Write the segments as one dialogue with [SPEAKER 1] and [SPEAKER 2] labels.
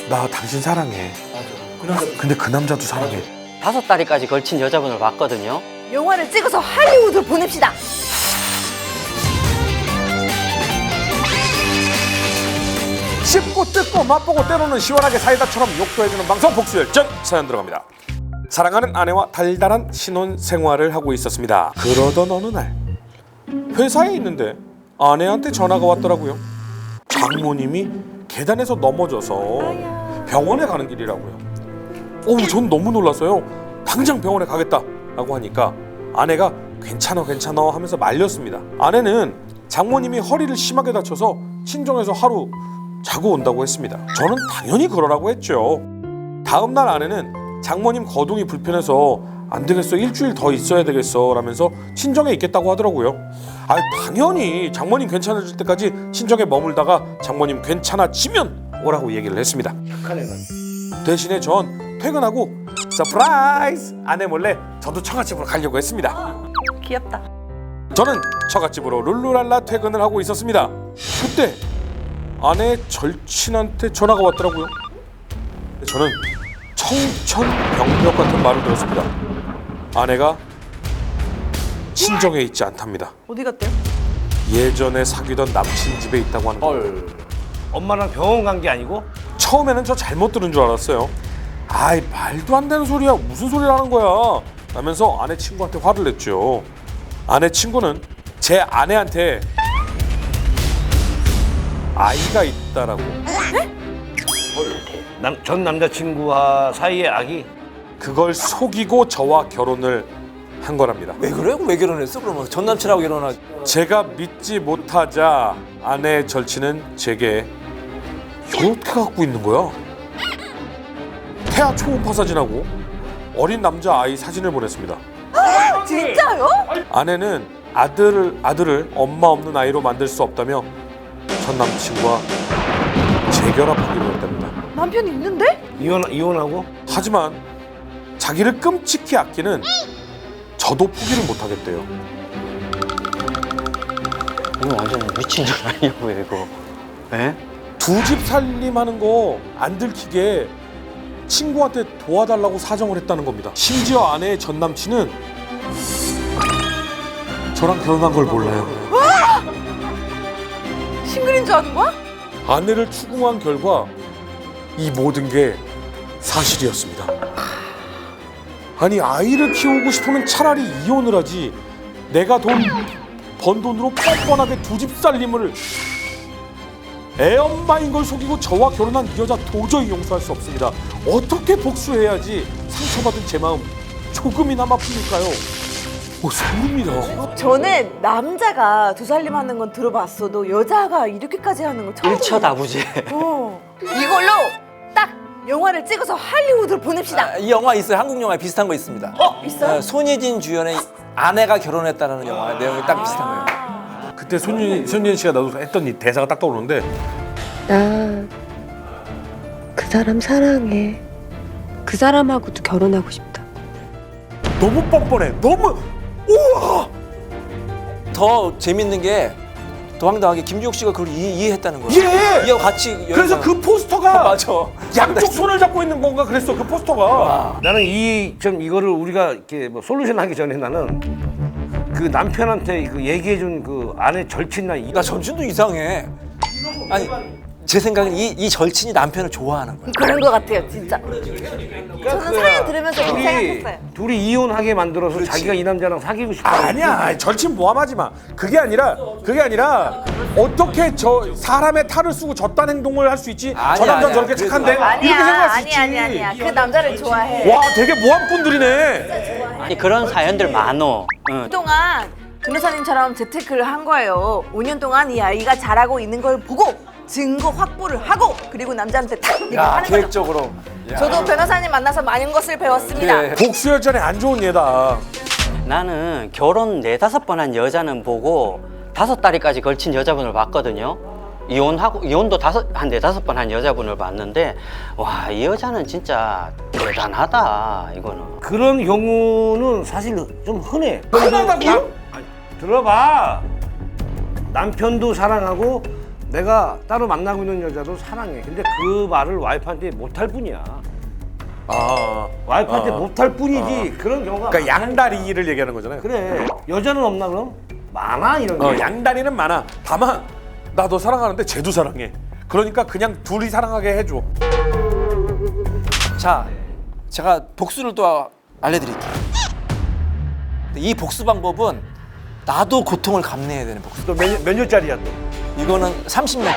[SPEAKER 1] 나 당신 사랑해.
[SPEAKER 2] 맞아.
[SPEAKER 1] 근데 그 남자도 사랑해.
[SPEAKER 3] 5다리까지 걸친 여자분을 봤거든요.
[SPEAKER 4] 영화를 찍어서 할리우드로 보냅시다.
[SPEAKER 1] 씹고 뜯고 맛보고 때로는 시원하게 사이다처럼 욕도 해주는 방송 복수열전 사연 들어갑니다. 사랑하는 아내와 달달한 신혼 생활을 하고 있었습니다. 그러던 어느 날 회사에 있는데 아내한테 전화가 왔더라고요. 장모님이 계단에서 넘어져서 병원에 가는 길이라고요. 전 너무 놀랐어요. 당장 병원에 가겠다라고 하니까 아내가 괜찮아 하면서 말렸습니다. 아내는 장모님이 허리를 심하게 다쳐서 친정에서 하루 자고 온다고 했습니다. 저는 당연히 그러라고 했죠. 다음 날 아내는 장모님 거동이 불편해서 안 되겠어, 일주일 더 있어야 되겠어 라면서 친정에 있겠다고 하더라고요. 당연히 장모님 괜찮아질 때까지 친정에 머물다가 장모님 괜찮아지면 오라고 얘기를 했습니다. 대신에 전 퇴근하고 서프라이즈 아내 몰래 저도 처갓집으로 가려고 했습니다.
[SPEAKER 4] 귀엽다.
[SPEAKER 1] 저는 처갓집으로 룰루랄라 퇴근을 하고 있었습니다. 그때 아내의 절친한테 전화가 왔더라고요. 저는 청천벽력 같은 말을 들었습니다. 아내가 친정에 있지 않답니다.
[SPEAKER 4] 어디 갔대요?
[SPEAKER 1] 예전에 사귀던 남친 집에 있다고 하는 거예요.
[SPEAKER 2] 엄마랑 병원 간 게 아니고?
[SPEAKER 1] 처음에는 저 잘못 들은 줄 알았어요. 말도 안 되는 소리야. 무슨 소리를 하는 거야 라면서 아내 친구한테 화를 냈죠. 아내 친구는 제 아내한테 아이가 있다라고.
[SPEAKER 2] 전 남자친구와 사이의 아기?
[SPEAKER 1] 그걸 속이고 저와 결혼을 한 거랍니다.
[SPEAKER 5] 왜 그래? 왜 결혼했어? 그러면 전 남친하고 결혼하.
[SPEAKER 1] 제가 믿지 못하자 아내의 절친은 제게 이렇게 갖고 있는 거야. 태아 초음파 사진하고 어린 남자 아이 사진을 보냈습니다.
[SPEAKER 4] 진짜요?
[SPEAKER 1] 아내는 아들을 엄마 없는 아이로 만들 수 없다며 전 남친과 재결합하기로 했답니다.
[SPEAKER 4] 남편이 있는데?
[SPEAKER 2] 이혼하고?
[SPEAKER 1] 하지만 자기를 끔찍히 아끼는 저도 포기를 못하겠대요.
[SPEAKER 3] 이거 완전 미친 줄 아니냐고요, 이거. 에?
[SPEAKER 1] 두 집 살림하는 거 안 들키게 친구한테 도와달라고 사정을 했다는 겁니다. 심지어 아내의 전 남친은 저랑 결혼한 걸 몰라요.
[SPEAKER 4] 싱글인 줄 아는 거야?
[SPEAKER 1] 아내를 추궁한 결과 이 모든 게 사실이었습니다. 아이를 키우고 싶으면 차라리 이혼을 하지. 내가 번 돈으로 뻔뻔하게 두 집 살림을. 애엄마인 걸 속이고 저와 결혼한 이 여자 도저히 용서할 수 없습니다. 어떻게 복수해야지 상처받은 제 마음 조금이나마 풀릴까요? 소름이다.
[SPEAKER 4] 저는 남자가 두 살림 하는 건 들어봤어도 여자가 이렇게까지 하는 건 처음
[SPEAKER 3] 일처다부제.
[SPEAKER 4] 이걸로 딱 영화를 찍어서 할리우드로 보냅시다.
[SPEAKER 5] 이 영화 있어요. 한국 영화에 비슷한 거 있습니다.
[SPEAKER 4] 있어요?
[SPEAKER 5] 손예진 주연의 아내가 결혼했다라는 영화 내용이 딱 비슷한 거예요.
[SPEAKER 1] 그때 손예진 씨가 나도 했던 이 대사가 딱 떠오르는데
[SPEAKER 6] 나 그 사람 사랑해. 그 사람하고도 결혼하고 싶다.
[SPEAKER 1] 너무 뻔뻔해. 너무 우와.
[SPEAKER 5] 더 재밌는 게 더 황당하게 김주혁 씨가 그걸 이해했다는 거예요.
[SPEAKER 1] 예.
[SPEAKER 5] 이하고 같이
[SPEAKER 1] 그래서 그 포스터가
[SPEAKER 5] 맞아.
[SPEAKER 1] 양쪽 손을 잡고 있는 건가 그랬어. 그 포스터가.
[SPEAKER 2] 나는 이거를 우리가 이렇게 뭐 솔루션 하기 전에 나는 그 남편한테 그 얘기해준 그 아내 절친나
[SPEAKER 5] 나 전신도 이상해. 아니 제 생각엔 이 절친이 남편을 좋아하는 거야.
[SPEAKER 4] 그런 것 같아요, 진짜. 저는 사연 들으면서 그렇게 생각했어요.
[SPEAKER 2] 둘이 이혼하게 만들어서 자기가 이 남자랑 사귀고 싶어.
[SPEAKER 1] 아니야. 절친 모함하지 마. 그게 아니라 어떻게 저 사람의 탈을 쓰고 저딴 행동을 할 수 있지? 저 남자
[SPEAKER 5] 아니야.
[SPEAKER 1] 저렇게 착한데? 이렇게 생각할 수 있지.
[SPEAKER 4] 아니야. 그 남자를 좋아해.
[SPEAKER 1] 와, 되게 모함꾼들이네.
[SPEAKER 3] 아니, 그런 사연들 많어. 응.
[SPEAKER 4] 그동안 변호사님처럼 재테크를 한 거예요. 5년 동안 이 아이가 잘하고 있는 걸 보고 증거 확보를 하고 그리고 남자한테 딱 이렇게 하는 거죠.
[SPEAKER 5] 계획적으로.
[SPEAKER 4] 저도 변호사님 만나서 많은 것을 배웠습니다.
[SPEAKER 5] 그래.
[SPEAKER 1] 복수열전에 안 좋은 예다.
[SPEAKER 3] 나는 결혼 4-5번 한 여자는 보고 5다리까지 걸친 여자분을 봤거든요. 이혼도 한 4-5번 한 여자분을 봤는데 와, 이 여자는 진짜 대단하다, 이거는.
[SPEAKER 2] 그런 경우는 사실 좀 흔해.
[SPEAKER 1] 흔하다고요?
[SPEAKER 2] 들어봐. 남편도 사랑하고 내가 따로 만나고 있는 여자도 사랑해. 근데 그 말을 와이프한테 못할 뿐이야. 와이프한테 못할 뿐이지 그런 경우가
[SPEAKER 1] 그러니까
[SPEAKER 2] 많아.
[SPEAKER 1] 양다리를 얘기하는 거잖아요.
[SPEAKER 2] 그래. 여자는 없나 그럼? 많아 이런 게.
[SPEAKER 1] 양다리는 많아. 다만 나 너 사랑하는데 쟤도 사랑해. 그러니까 그냥 둘이 사랑하게 해줘.
[SPEAKER 5] 자, 제가 복수를 또 알려드릴게요. 이 복수 방법은 나도 고통을 감내해야 되는 복수.
[SPEAKER 2] 또 몇 년짜리야 또?
[SPEAKER 5] 이거는 30년.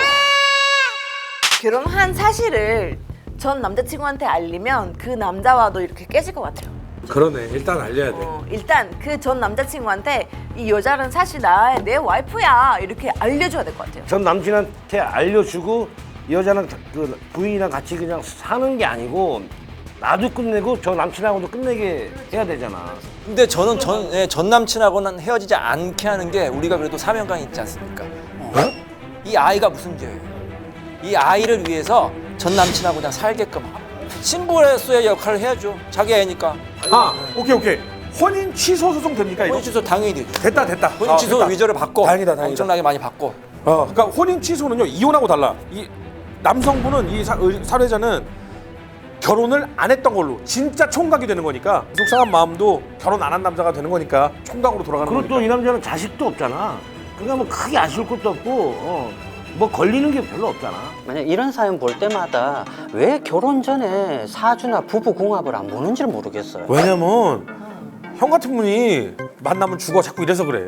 [SPEAKER 4] 결혼한 사실을 전 남자친구한테 알리면 그 남자와도 이렇게 깨질 것 같아요.
[SPEAKER 1] 그러네. 일단 알려야 돼.
[SPEAKER 4] 일단 그 전 남자친구한테 이 여자는 사실 내 와이프야 이렇게 알려줘야 될 것 같아요.
[SPEAKER 2] 전 남친한테 알려주고 이 여자는 그 부인이랑 같이 그냥 사는 게 아니고 나도 끝내고 저 남친하고도 끝내게 해야 되잖아.
[SPEAKER 5] 근데 저는 전 남친하고는 헤어지지 않게 하는 게 우리가 그래도 사명감이 있지 않습니까? 이 아이가 무슨 죄예요? 이 아이를 위해서 전 남친하고 그냥 살게끔 신부로서의 역할을 해야죠. 자기 애니까.
[SPEAKER 1] 오케이. 혼인 취소 소송 됩니까 이거?
[SPEAKER 5] 혼인 취소 당연히 되죠.
[SPEAKER 1] 됐다.
[SPEAKER 5] 혼인 취소
[SPEAKER 1] 됐다.
[SPEAKER 5] 위조를 받고
[SPEAKER 1] 다행이다.
[SPEAKER 5] 엄청나게 많이 받고.
[SPEAKER 1] 그러니까 혼인 취소는요 이혼하고 달라. 이 남성분은 이 살해자는 결혼을 안 했던 걸로 진짜 총각이 되는 거니까 속상한 마음도 결혼 안 한 남자가 되는 거니까 총각으로 돌아가는
[SPEAKER 2] 그리고
[SPEAKER 1] 거니까.
[SPEAKER 2] 또 이 남자는 자식도 없잖아. 그러니까 뭐 크게 아쉬울 것도 없고 뭐 걸리는 게 별로 없잖아.
[SPEAKER 3] 만약 이런 사연 볼 때마다 왜 결혼 전에 사주나 부부 궁합을 안 보는지를 모르겠어요.
[SPEAKER 1] 왜냐면 형 같은 분이 만나면 죽어 자꾸 이래서 그래.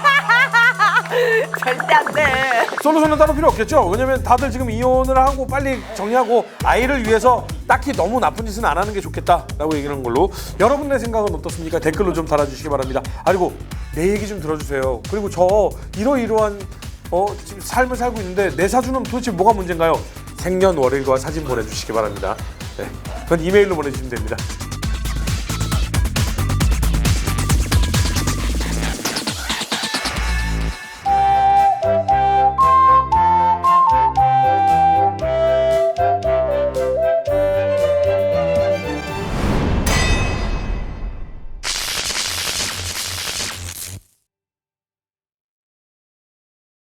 [SPEAKER 4] 절대 안 돼.
[SPEAKER 1] 솔루션은 따로 필요 없겠죠? 왜냐면 다들 지금 이혼을 하고 빨리 정리하고 아이를 위해서 딱히 너무 나쁜 짓은 안 하는 게 좋겠다라고 얘기하는 걸로. 여러분의 생각은 어떻습니까? 댓글로 좀 달아주시기 바랍니다. 그리고 내 얘기 좀 들어주세요. 그리고 저 이러이러한 지금 삶을 살고 있는데 내 사주는 도대체 뭐가 문제인가요? 생년월일과 사진 보내주시기 바랍니다. 네, 그건 이메일로 보내주시면 됩니다.